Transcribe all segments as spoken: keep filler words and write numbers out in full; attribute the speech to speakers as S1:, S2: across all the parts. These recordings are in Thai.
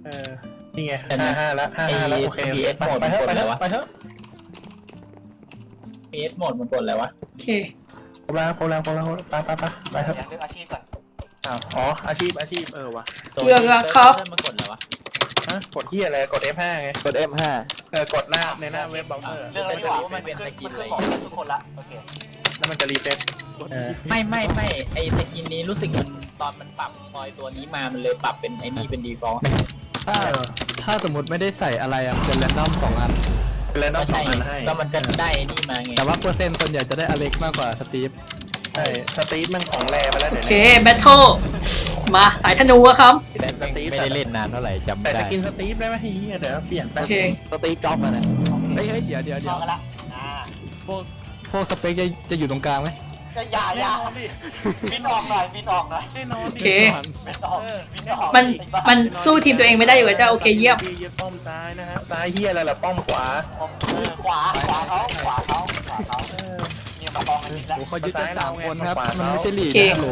S1: เออนี่ไงห้าห้าแล้วห้าห้าแล้วโอเคไปไปเถอะไปเถอะไปเถอะ
S2: พี เอส โหมดมันกดอะไรวะ
S3: โอเค
S1: โคลาโคลาโคลาไปไปไปไปเถอะ
S4: อย่างเรื่องอาชีพก่อน
S1: อ๋ออาชีพอาชีพเออวะ
S3: เลือกแล้วครับ
S2: มันกดอะไรวะ
S1: ฮะกดที่อะไรกด เอฟ ห้า ไง
S5: กด เอฟ ห้า
S1: เออกดหน้าในหน้าเว็บเบราว์เซอร์
S4: เรื่องอะไรดีกว่ามันขึ้นมันขึ้นบอกทุกคนละโอเค
S1: แล้วมันจะรีเซ็ต
S2: ไม่ไม่ไม่ไอสกินนี้รู้สึกมันตอนมันปรับพอยตัวนี้มามันเลยปรับเป็นไอ้นี่เป็นดีฟอลต์
S5: ถ้าถ้าสมมติไม่ได้ใส่อะไรอะมันจะแรนดอมสองอัน
S1: แล้วน้อ
S2: ก็
S1: งสอ
S2: ใช่
S1: งอันให้
S2: ก็มันจะได้ไอ้นี่มาไง
S5: แต่ว่าเปอร์เซ็นต์ส่วนใหญ่จะได้อเล็กมากกว่าสตีฟ
S1: ใช่สตีฟมันของแรไปแล้ว
S3: โอ
S1: เดี๋ยว
S3: เค
S1: นี้
S3: แบทเทิลมาสายธนูอะครับ
S1: แต่สตีฟ
S5: ไม่ได้เล่นนานเท่าไหร่จำ
S1: แต่
S5: ไม่
S1: ส
S5: ได้
S1: กินสตีฟได้ไหมฮียเดี๋ยวเปลี่ยนไป
S3: โอเค
S5: สตีฟจ็อบมานะเฮ้ยเฮ้ยเดี๋ยวเดี๋ยวเดี๋
S4: เข้า
S5: ยว
S4: กันละอ่า
S5: พวกพวกสเปคจะจะอยู่ตรงกลางไหม
S4: ก็อย่าอย่าบินออกหน่อยบินออกหน่อย
S1: แน่นอน
S3: โอเค
S4: บินออกบินออก
S3: มันมันสู้ทีมตัวเองไม่ได้อยู่แล้วใช่โอเคเยี่ยม
S1: เยี่ยมป้อมซ้ายนะฮะซ้ายเฮียอะไรล่ะป้อมขวา
S4: เออขวาขวาเขาขวาเขาขวาเขาเนี่ยมาตองกันนิดละ
S5: โอ้เขายึดกันสามคนครับมันไม่ใช่ลีก
S3: โอเค
S5: นะโหล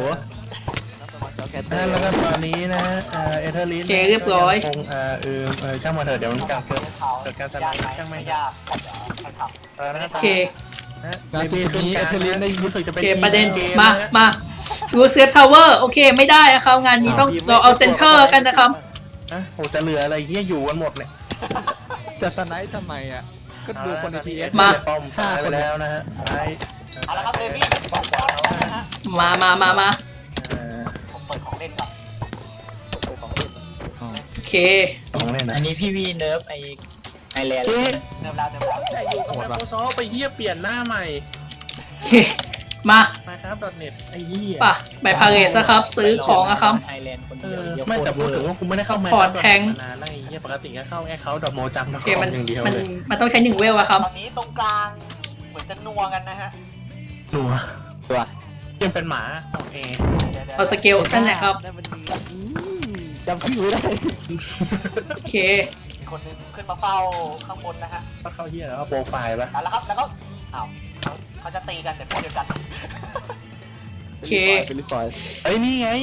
S1: แล้วก็ตอนนี้นะเอ่อเอเธอร์ลิน
S3: โอเคเรียบร้อย
S1: คงเอ่อเออเออช่างมาเถอะเดี๋ยวมันกลางเกิด
S4: เขา
S1: เกิดการสไลด์ช่างไม่
S4: ยากใครขับ
S1: นะ
S3: โอเค
S5: งานจุดนี้เอเธอร์ลินได้
S1: รู้สึกจะ
S3: โอ
S1: เป็น
S3: เคประเด็น
S1: ก
S3: มามาดูเซฟทาวเวอร์โอเคไม่ได้นะครับงานนี้ต้องเราเอาเซนเตอร์กันนะครับ
S1: นะโอ้จะเหลืออะไรเฮียอยู่กันหมดเลย
S5: จะสไนท์ทำไมอ่ะก็ดูคนในทีเอส
S3: มา
S1: ป้อมซ้ายไปแล้วนะฮะซ้าย
S4: เอาละครับเดวี่บอกขวาแล้วนะฮะ
S3: มามามามา
S1: เอ่อ
S4: ผมเปิดของเล่นก่อนเปิดของเล่น
S3: โอเค
S1: ของเล่นนะ
S2: อันนี้พี่วีเนิร์ฟไอไอแลนด์
S1: เจ๊
S4: เดิมแล้วเดิมแล้ว
S1: แต่อยู่กับ Microsoft ไปเฮียเปลี่ยนหน้าใหม่
S3: โอเคมา
S1: นะครับ .net ไอ้เหี้ย
S3: ป่ะไปพาเรสนะครับซื้อของอะครับ
S2: ไอแลนด์คน
S1: เอ
S2: เดียว
S1: อ
S2: เดี๋ยว
S1: ไม่แต่
S2: โค
S1: พูด
S2: ตร
S1: ถึง
S2: เวอ
S1: ว่า
S2: ร์
S1: กูไม่ได้เข้า
S3: Support Tank
S1: นานแล้วไอ้เหี้ยปกติก็เข้าแอคเคาท์ดอทโมจังนะ
S3: โอเคมัน
S1: อย่างเดียว
S3: มัน
S1: เลย
S3: มันต้องใช้หนึ่งเวลอะครับ
S4: ตอนนี้ตรงกลางเหมือนจะนัวกันนะฮะ
S1: หนัว
S5: ตัว
S1: ยังเป็นหมาโอเค
S3: เอาสเกลนั่นแหละครับ
S5: จำชื่อไม่ได้
S3: โอเค
S4: มีคนนึงขึ้นมาเฝ้าข้างบนนะฮะ
S1: ก็เข้าเหี้ยแล้วก็โปรไฟล์ปะ
S4: เอาละครับแล้วก็อ้าวเขาจะตีกันแต่พวกเดียวกัน
S3: โอเค
S5: เป็นลิฟอย
S1: เอ้ยนี่ไง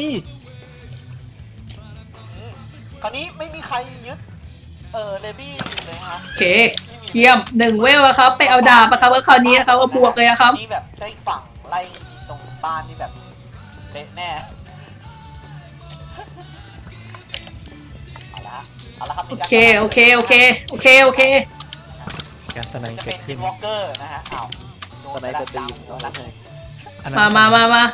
S4: คราวนี้ไม่มีใครยึดเออเลบี้เลยฮะ
S3: โอเค เยี่ยมหนึ่งเวลอะครับ ไปเอาดาบอะครับแล้วคราวนี้นะครับก็บวกเลยอะครับ
S4: นี่แบบได้ฝั่งไล่ตรงบ้านนี่แบบเละแน่เอาละฮะเอาละครับ
S3: โอเค โอเค โอเค โอเค โอเค
S5: การสไน
S4: จะ
S5: เกิ
S4: เป็
S5: ด
S4: น
S5: ขึ้น
S4: วอล์กเกอร์นะฮะอ้าวโดนไปแล้วดาวโดนแล้ว
S3: มามามามา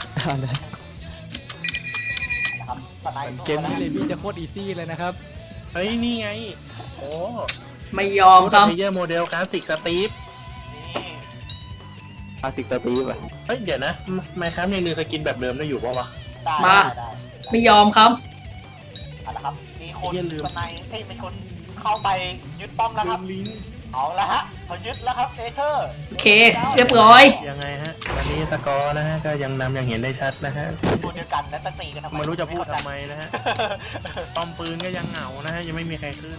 S4: นะครับสไนด์
S5: เกมนี้เลบี้จะโคตรอีซี่เลยนะครับ
S1: เฮ้ยนี่ไงโอ้
S3: ไม่ยอมครับ
S1: เพลเยอร์โมเดลคลาสสิกสตีฟ
S4: นี่
S5: อาติกสตีฟอ่ะ
S1: เฮ้ยเดี๋ยวนะไมครับยังดึงสกินแบบเดิมได้อยู่ปะวะ
S4: ได้
S3: มา
S4: ได้
S3: ไม่ยอมครับ
S4: เอาละครับมีคน
S1: เหี้ยลืม
S4: สไนด์เอ้ยมีคนเข้าไปยึดป้อมแล้วครับ
S1: ลิงก์
S4: เอาละฮะเขายึดแล้วครับเอเธอร์
S3: โอเค เรียบร้อย
S1: ยังไงฮะตอนนี้สกอร์นะฮะก็ยังนำอย่างเห็นได้ชัดนะฮะ
S4: ตัวเดียวกันและตะตีกันทำไม
S1: ไม่รู้จะพูด
S4: เข้า
S1: ทำไมนะฮะป้อมปืนก็ยังเหงานะฮะยังไม่มีใครขึ้น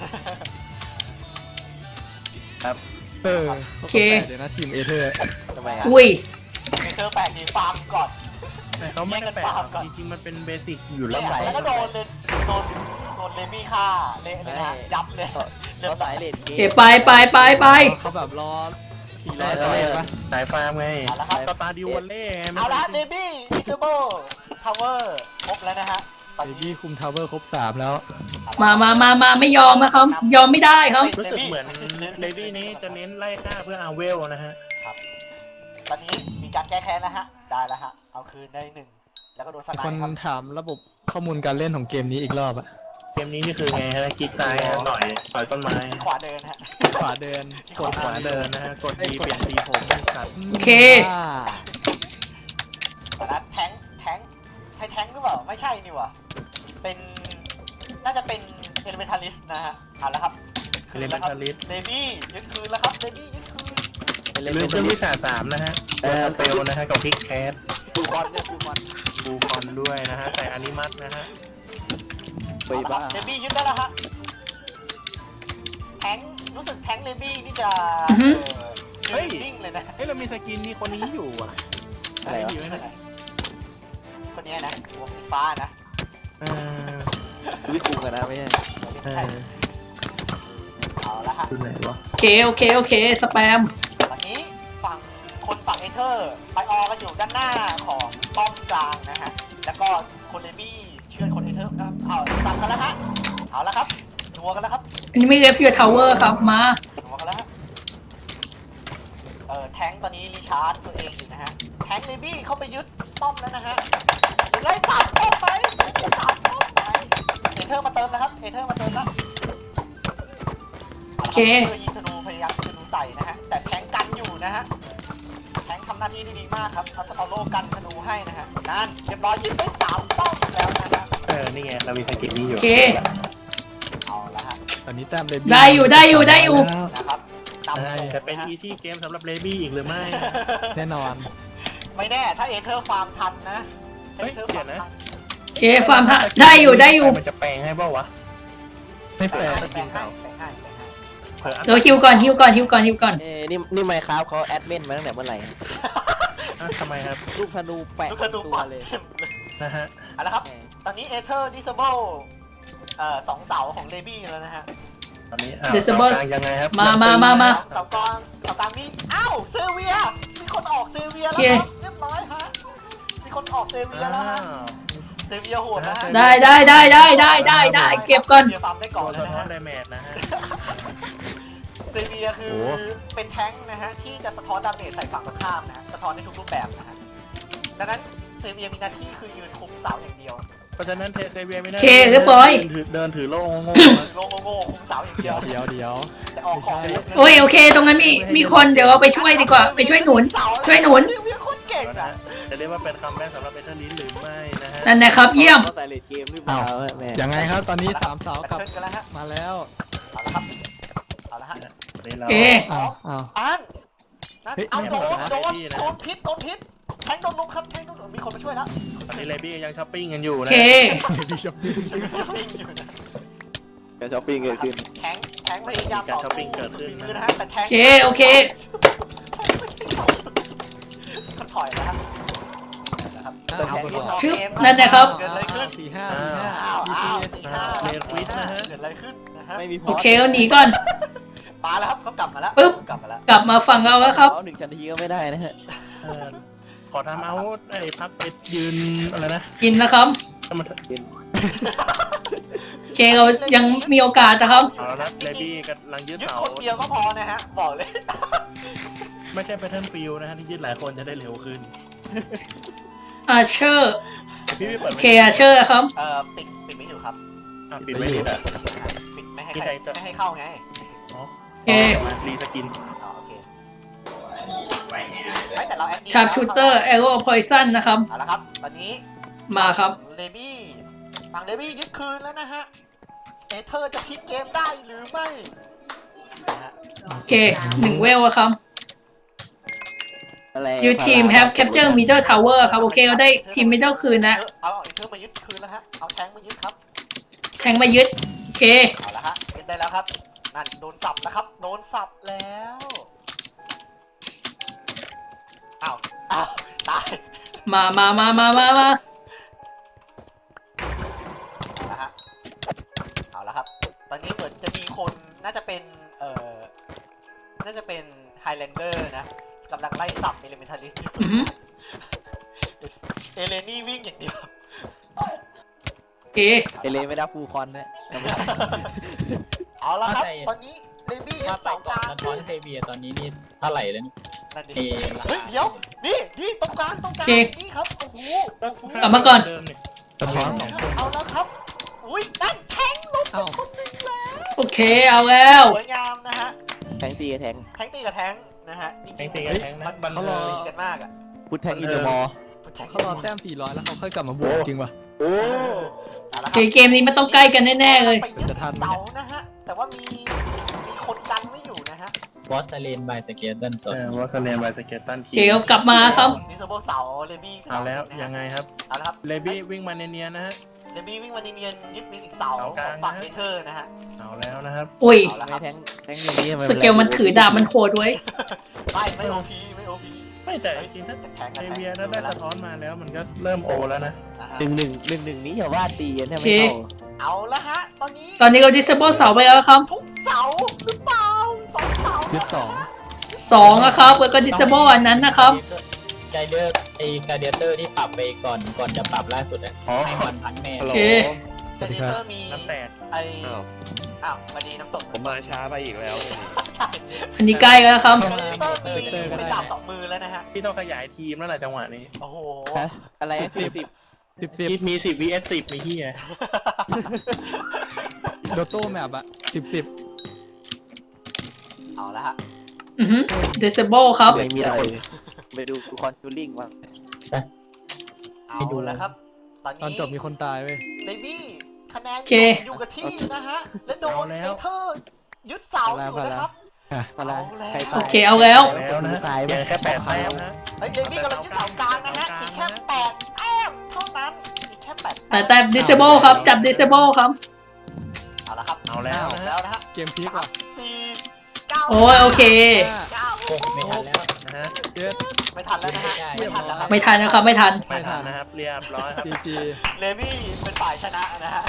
S1: ครับ
S5: เออ
S3: โอเค
S5: เดี๋ยวนะทีมเอเธอร์
S4: ทำไมอ่ะ
S3: อุ้ย
S4: เอเธอร์แปลกดีฟาร์มก่อน
S1: แต่เขาไม่ได้แปลกหรอกจริงๆมันเป็นเบสิกอยู่แล้ว
S4: เนี่ยแล้วก็โดนเลยโดนโดนเลบี้ฆ่าเละเลยนะยับเลยเรียบร้อยเลย
S3: โอเค ไปไปไปไป
S5: เขาแบบรอสี่ร้อยตัวเองปะ
S1: สายฟาร์มไง
S4: เอาละครับ
S1: สตาร์ดิววันเล่ไง
S4: เอาละเลบี้อิซเบิลทาวเวอร์ครบแล้วนะฮะตอน
S5: เล
S4: นี้
S5: บี้คุมทาวเวอร์ครบสามแล้ว
S3: มามามามาไม่ยอมนะครับ ยอมไม่ได้ครับ
S1: รู้สึกเหมือนเลดี้นี้จะเน้นไล่ฆ่าเพื่อเอาเวลนะฮะ
S4: ครับตอนนี้มีการแก้แค้นแล้วฮะได้แล้วฮะเอาคืนได้หนึ่งแล้วก็โดนส
S5: มี
S4: ไน
S5: คน
S4: ด์ครับ
S5: ถามระบบข้อมูลการเล่นของเกมนี้อีกรอบอะ
S1: เกมนี้นี่คือไงฮะคลิกซ้ายฮะต่อยต่อยต้นไม้
S4: ขวาเดินฮะ
S5: ขวาเดิน
S1: กดขวาเดินนะฮะกดดีเปลี่ยนสีผมเป็นสัตว์
S3: โอเค
S5: อ่า
S4: ตอนนั้นแทงแทงใช่แทงหรือเปล่าไม่ใช่นี่หว่าเป็นน่าจะเป็นเอลิเมทัลิสนะฮะเอาละครับ
S1: เล่น
S4: แล้วครับ
S1: ทาริส
S4: เลบี้ยึดคืนแล้วครับเลบี้ยึดคืน
S1: ลืมเครื่องวิชาสามนะฮะตัวสเปลนะฮะกับคลิกแคส
S4: ฟูคอนเนี่ยฟูคอน
S1: บูคอนด้วยนะฮะใส่อนิมัสนะฮะ
S5: ไปบ้า
S4: เลบี้ยึดได้แล้วฮะแทงรู้สึกแทงเลบี้นี่จะ
S3: อือฮึ
S4: เออยืนนิ่งเลยนะ
S1: เฮ้ยเรามีสกินมีคนนี้อยู่อ่ะใช่ดีไหมนะ
S4: คนเนี้ยนะหัวสีฟ้านะ
S1: เออ
S5: วิคุมกันนะไม่ใช่
S4: หัวสีใช่เอาละฮะ
S1: คือไหนวะ
S3: โอเคโอเคโอเคสแปม
S4: ตอนนี้ฝั่งคนฝั่งเอเธอร์ไปออกันอยู่ด้านหน้าของป้อมกลางนะฮะแล้วก็คนเลบี้เชื่อคนเอเธอร์ครับเอาจับกันแล้วฮะเอาละครับนัวกันแล้วครับ
S3: อันนี้ไม่เรียกฟิวทาวเวอร์ครับมา
S4: นัวกันแล้วฮะเอ่อแทงค์ตอนนี้รีชาร์จตัวเองอยู่นะฮะแทงค์เลบี้เข้าไปยึดป้อมแล้วนะฮะไล่สามป้อมไปสามป้อมไปเอเธอร์มาเติมนะครับเอเธอร์มาเติมแล้ว
S3: โอเค
S4: เพื่อยิงธนูพยายามยิงธนูใส่นะฮะแต่แทงกันอยู่นะฮะแทงทำหน้าที่ได้ดีมากครับเอาเอาโล่กันธนูให้นะฮะนั่นเรียบร้อยยิงได้สามป้อมแล้วนะฮะ
S1: เออนี่ไงเรามีสกิลนี้อ
S3: โอยู่ เค
S4: เอาละฮะ
S5: ตอนนี้แต้มเลบี้
S3: ได้อยู่ได้อยู่ได้อยู่
S4: นะครับนำ
S1: ใช่
S4: เลย
S1: จะเป็น
S4: ฮ
S1: อีซี่เกมสำหรับเลบี้อีกหรือไม่
S5: แน่นอน
S4: ไม่แน่ถ้าเอเธอร์ฟาร์มทันนะ
S1: เฮ้ย
S4: อธอร์
S1: เดี๋ยวนะ
S4: ฟาร์มทั
S3: โอเคฟาร์มฮะได้อยู่ได้อยู่
S1: มันจะแปลงให้เปล่าวะ
S5: ไม่แปลก
S4: แบ่งให้แบ่งให้แบ่งให้
S1: เผื่ออัน
S3: เดี๋ยวฮิวก่อนฮิวก่อนฮิวก่อนฮิวก่อน
S6: เอ้นี่นี่ไมค์ครับเขาแอดมินมาตั้งแต่เมื่อไหร่
S1: อ่ะทำไมครับ
S6: ลูกธนูแปะ
S4: ลูกธนู
S6: ตั
S4: ปั
S6: ว
S4: ด
S6: เลย
S4: เต็มเลย
S1: นะฮะ
S4: เอาละครับตอนนี้เอเธอร์ดิสเบิลเอ่อสองเสาของเลบี้แล้วนะฮะ
S1: ตอนนี้อ้าว
S3: Disable
S1: กลางยังไงครับ
S3: มามามามา
S4: เสากลางเสากลางมีอ้าวเซเวียมีคนออกเซเวียแล้ว
S3: โอเค
S4: ครับเรียบร้อยฮะมีคนออกเซเวียแล้ว
S1: อ้า
S4: ฮะ
S1: ว
S4: เซเวียโหดนะฮะ
S3: ได้ได้ได้ได้ได้ได้ได้เก็บก่อน
S4: เซเวียฟาร์มได้ก่
S1: ตั
S4: อ
S1: วน
S4: แล้ว
S1: สะ
S4: นะ
S1: ท้อน
S4: ฮะ
S1: ไดเมจนะฮะ
S4: เซเวียคือเป็นแท้งค์นะฮะที่จะสะท้อนดาเมจใส่ฝั่งตรงข้ามนะฮะสะท้อนในทุกรูปแบบนะฮะดังนั้นเซเวียมีหน้าที่คือยืนคุมเสาอย่างเดียว
S1: เพราะฉะนั้นเทเซเวียไม่ได้
S3: โอเคเรียบร้อย
S1: เดินถือเดินถือโล่งงง
S4: โลโง่โง่คุมเสาอย่างเดี
S5: เดี๋
S4: ย
S5: ยว วเดี๋ยวเดี๋ยว
S4: แต่ออกของได้เยอะ
S3: โอ้ยโอเค ตรงนั้นมีมีคนเดี๋ยวเราไปช่วยดีกว่า ไปช่วยหนุน ช่วยหนุน
S4: เซเวียโคตรเก่ง
S1: นะ
S4: อ่ะ
S1: ฮะจะเรียกว่าเป็นคัมแบ็กสำหรับเอเธอร์ลินหรือไม่นะฮะ
S3: นั่นนะครับเยี่ยม
S6: เขาใส่เลดเกมหรือเปล่าแม่
S5: ยังไงครับตอนนี้สามเสา
S4: แบ
S5: กลับ
S4: เทิลกันแล้วฮะ
S5: มาแล้ว
S4: เอาละครับเอาละฮะ
S1: นี่เรา
S3: โอเค
S5: อ้าวอ้าว
S4: อันนั่น
S5: เฮ้ย
S4: เอาโดน
S1: ไม่
S4: โด
S1: เอา
S4: น
S1: นะ
S4: โดนพิษโดนพิษแทงโดนลุกครับแทงโดนลุกมีคนมาช่วยแล้ว
S1: ตอนนี้เลบี้ยังช้อปปิ้งกันอยู่
S3: โอ
S1: นะ
S3: เค
S5: พี่ช็อปปิ้ง
S4: ปิ้งอยู่นะ
S6: การช้อปปิ้งเกิดขึ้น
S4: แทงแทงพยายามต่อสู้สุดฝีมือนะฮะแต่แทง
S3: โอเคโอเค
S4: ก็ถอยแล้วครับนะครับ
S5: อ้าว
S4: เอาเกมเอา
S3: ชึบ
S4: เกม
S3: นั่นนะครับ
S4: เกิดอะไรขึ้น
S5: สี่ห้าสี่ห้า
S4: อ้าว
S5: ดี
S4: อ้าว
S5: ซี
S4: สี่ห้า
S1: เรียนควิดนะฮะ
S4: เกิดอะไรขึ้นนะฮะ
S6: ไม่มีพ
S3: โอเคเราหนีก่อน
S4: มาแล้วครับเขากลับมาแล้ว
S3: ปึ๊บ
S4: กลับมาแล้ว
S3: กลับมาฝั่งเราแล้วครับ
S6: เขาหนึ่งนาทีก็ไม่ได้นะฮะ
S1: เออขอทำเอาไอ้พักเอ็ดยืนอะไรนะ
S3: กินนะครับ
S1: เอามา
S3: โอเคเรายังมีโอกาสนะครับ
S1: เอาแล้วนะเลบี้กำลังยืด
S4: ยึด
S1: เสา
S4: คนเดียวก็พอนะฮะบอกเลย
S1: ไม่ใช่แพทเทิร์นฟิลนะฮะที่ยืดหลายคนจะได้เร็วขึ้น
S3: อาเชอร์
S1: พี่พี่เปิด
S3: โอ
S1: ไม่
S3: เคอาเชอร์ครับ
S4: เอ่อปิดปิดไม่อยู่ครับ
S1: อ่ะปิดไม่ดีอ่ะ
S4: ปิดไม่ให้
S1: ที่
S4: ใคร
S1: ใครจะ
S4: ไม่ให้เข้าไง
S1: อ๋อ
S3: โอเค
S1: มารีสกิน
S4: อ๋อโอเคไม่แต่เราแอดดี
S3: ชาร์ปชูเตอร์แอโร่พอยซันนะครับ
S4: เอาละครับตอนนี้
S3: มาครับ
S4: เลบี้ฝั่งเลบี้ยึดคืนแล้วนะฮะเอเธอร์จะพลิกเกมได้หรือไม่นะฮะ
S3: โอเคหนึ่งเวลอะครับ
S6: อะไร
S3: ยูทีม have capture middle tower ครับ โอเคเราได้ทีม middle คืนนะ
S4: เอาเอเธอร์มายึดคืนแล้วฮะเอาแทงค์มายึดครับ
S3: แทงมายึด โอเค
S4: เอาละฮะยึดได้แล้วครับนั่นโดนสับแล้วครับโดนสับแล้วอ้าวอ้าวตาย
S3: มามามามามามา
S4: เอาละฮะเอาละครับ ตอนนี้เหมือนจะมีคนน่าจะเป็น เอ่อ น่าจะเป็นไฮแลนเดอร์นะกำลังไล่สับเอเลเมนทัลิสต์อยู่
S3: อือหือ
S4: เอเลนี่วิ่งอย่างเดียว
S3: โอเค
S6: เอเลไม่ได้ฟูลคอนนะ
S4: เอาละครับ
S2: เข้าใจ
S4: ตอนนี้เลบี้ยึ
S2: ถ้า
S4: ด
S2: ไป
S4: เสาก
S2: ก่อ
S4: ลาน ง
S2: สะท้อนเซเวียตอนนี้นี่เท่าไหร่แล้วนี่
S4: นั่นดิ
S2: เอ
S4: เฮ้ยเดี๋ยว นี่นี่ตรงกลางตรงกลาง
S3: โอเค
S4: นี่ครับ โอ้โหโอ้โห
S3: กลับมาก่อน
S1: เดิมนี่
S5: สะท้อนสองคน
S4: เอาแล้วครับ อุ้ยนั่นแทงลงไป
S5: อ้าว
S4: คนหนึ่งแล้ว
S3: โอเคเอาแล้ว
S4: สวยงามนะฮะ
S6: แทงตีกับแทง
S4: แทงตีกับแทงนะฮะ จ
S1: แท
S4: ริ
S1: ง
S4: ง
S1: ตี
S4: ๆ
S1: กันแทงนะบัน
S5: เขา
S1: เทิ
S5: รอ
S1: ง
S4: ตีกันมากอ่ะ
S6: พุทแทงอินเดอร์มอล
S4: แทง
S5: เขารอแต้มสี่ร้อยแล้วเขาค่อยกลับมาบวกจริงป่ะ
S6: โอ้
S4: เอาละ
S3: โอ
S4: ค
S3: เครับ เกมนี้มันต้องใกล้กันแน่ๆเลย
S4: ไปยึด
S5: จะทันไหม
S4: เสานะฮะ แต่ว่ามีมีคนกันไม่อยู่นะฮะ
S2: บอสเลนบายสเกตเติลส
S1: เอ
S2: ด
S1: อวอสเลนไบสเกตตัน
S3: โอ
S1: ที
S3: เคเรากลับมาครับ
S4: ดิสโบเสาเลบี้
S1: เอาแล้ว
S4: นะฮะ
S1: ยังไงครับ
S4: เอาละครับ
S1: เลบี้วิ่งมาเนียนๆนะฮะ
S4: เลบี้วิ่งมาเนียนๆยึดมิสิกเสา
S1: เอา
S4: ข
S1: ก
S4: อ
S1: ลาง
S4: งฝั่ง
S1: นะ
S4: เอเธอร์นะฮะ
S1: เอาแล้วนะครับ
S3: อุ้ย
S4: เอาละค
S6: ไม่
S4: รับ
S6: แทงแทงอย่างนี้ทำไ
S3: สเกลมันถือดาบมันโหดไว้ย
S4: ไม่ไม่โอพีไม่โอพี
S1: ไม่แต่จริงๆถ้า
S4: แต่แทง
S1: เอ
S4: กับแทง
S1: เวียนั้นได้สะท้อนมาแล้วมันก็เริ่มโอแล้วนะ
S4: นะฮะ
S6: หนึ่งหนึ่งหนึ่งหนึ่งนี้อย่าว่าตีกันแทบ
S3: โอเค
S6: ไม่เข้า
S4: เอาละฮะ ตอนนี้
S3: ตอนนี้เรา disable เสาไปแล้วครับ
S4: ทุกเสาหรือเปล่าสองเสา
S5: ยึดสอง
S3: สองนะครับแล้วก็ disable อันนั้นนะครับ
S2: ใจเดอร์ไอ้กาเดียเตอร์ที่ปรับไปก่อนก่อนจะปรับล่าสุดอะ
S1: อ๋อ
S2: ให้มันพันแม่
S3: โอเค
S4: เจเนเตอร์มี
S1: น้ำแตก
S4: ไอ
S7: อ้าว
S4: อ้าวมาดีน้ำตก
S7: ผมมาช้าไปอีกแล้ว
S4: ใช่
S3: อันนี้ใกล้แล้วครับ
S4: เจเนเตอร์มีเป็นดาบสองมือแล้วนะฮะ
S1: พี่ต้องขยายทีมแล้วแหละจังหวะนี้
S4: โอ้โห
S6: ฮะอะไรสิบสิบ
S5: สิบสิบ
S1: มีสิบ วี เอส สิบมีที่ไง
S5: โดโต้แมปอะสิบสิบ
S4: เอาละฮะ
S3: อือฮึ disable ครับ
S6: ไม่มีอะไรไปดูคอนจูริงว่ะ
S4: เอาละครับ ตอน
S5: ตอน
S4: นี้
S5: จบมีคนตายเว้ย
S4: เลบี้คะแนน
S3: โอเค
S4: อยู่กับที่นะฮะ และโดน
S1: เอาแล้ว
S4: เอเธอร์ยึดเสาอยู่นะครับ
S6: มาละ
S4: เอาแล้ว
S6: ใคร
S3: โอ
S6: ตาย
S3: เคเอาแล้ว
S1: แล้วนะ
S6: ตายไหม
S1: ยังแค่แปดแต้มนะ
S4: เฮ้ยเลบี้กำลังยึดเสากลางนะฮะ อีกแค่แปดแต้มเท่านั้น อีกแค่แปด
S3: แต่แต่ disable ครับ จับ disable ครับ
S4: เอาละครับ
S1: เอาแล้ว
S4: เอา
S1: นะ
S4: แล้วนะฮะ
S5: เกมพลิก
S4: สา
S5: ว่ะ
S4: มสี่เก้า
S3: โอ้ยโอเค
S4: เก้า
S2: โอ้ไม่ทันแล้ว
S1: นะฮะ
S5: เจ็ด
S4: ไม่ทันแล้วนะฮะ ไม่ทันแล้วครับ
S3: ไม่ทันนะครับ ไม่ทัน
S1: ไม่ทันนะครับเรียบร้อยครับ
S5: จีจี
S4: เลบี้เป็นฝ่ายชนะนะฮะ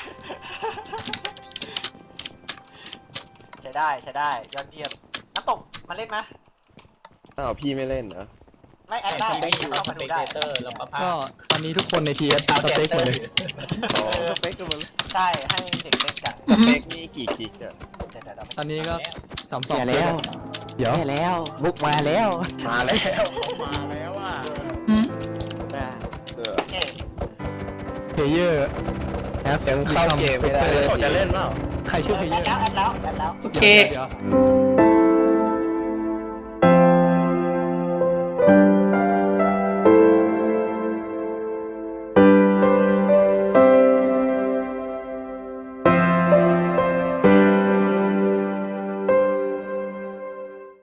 S4: ใช้ได้ใช้ได้ยอดเยี่ยมน้ำตกมาเล่นไหม
S7: อ้าวพี่ไม่เล่นเหรอ
S4: ไม่แอด
S2: แต่
S4: ได้
S2: ที่
S4: ไม่
S2: ไม่อยู่
S4: ต้อง
S2: ส
S4: มา
S2: เป
S4: ดู
S2: ก
S4: ได้
S2: เตอร์แล้วก็ภา
S5: ก็
S2: พ
S5: ตอนนี้ทุกคนในทีเอส
S2: ดาว
S5: ส
S2: เต
S5: เต็กหมดเลย
S7: อ๋อ
S6: สเปกกันหมดเลย
S4: ใช่ให้เด็กเล่นกัน
S3: อือฮึ
S7: เล็กนี่กี่กิกอะ
S4: เดี๋ยวเดี๋ยวเดี๋ยว
S5: ตอนนี้ก็สามสอง
S6: แย่แล้ว
S5: เดี๋ยว
S6: แย่แล้วบุกมาแล้ว
S1: มาแล้วมาแล้วอ่ะ
S3: อืม
S7: เออ
S4: โอเค
S5: เพลเยอร์แอป
S7: ยังเข้าเกมไม่ได้
S1: เขาจะเล่นเปล่า
S5: ใครชื่อเพล
S4: แอ
S5: เยอ
S4: ด
S5: ร์
S4: แล้วแอดแล้วแอดแล้ว
S3: โอเค
S5: เดี๋ยว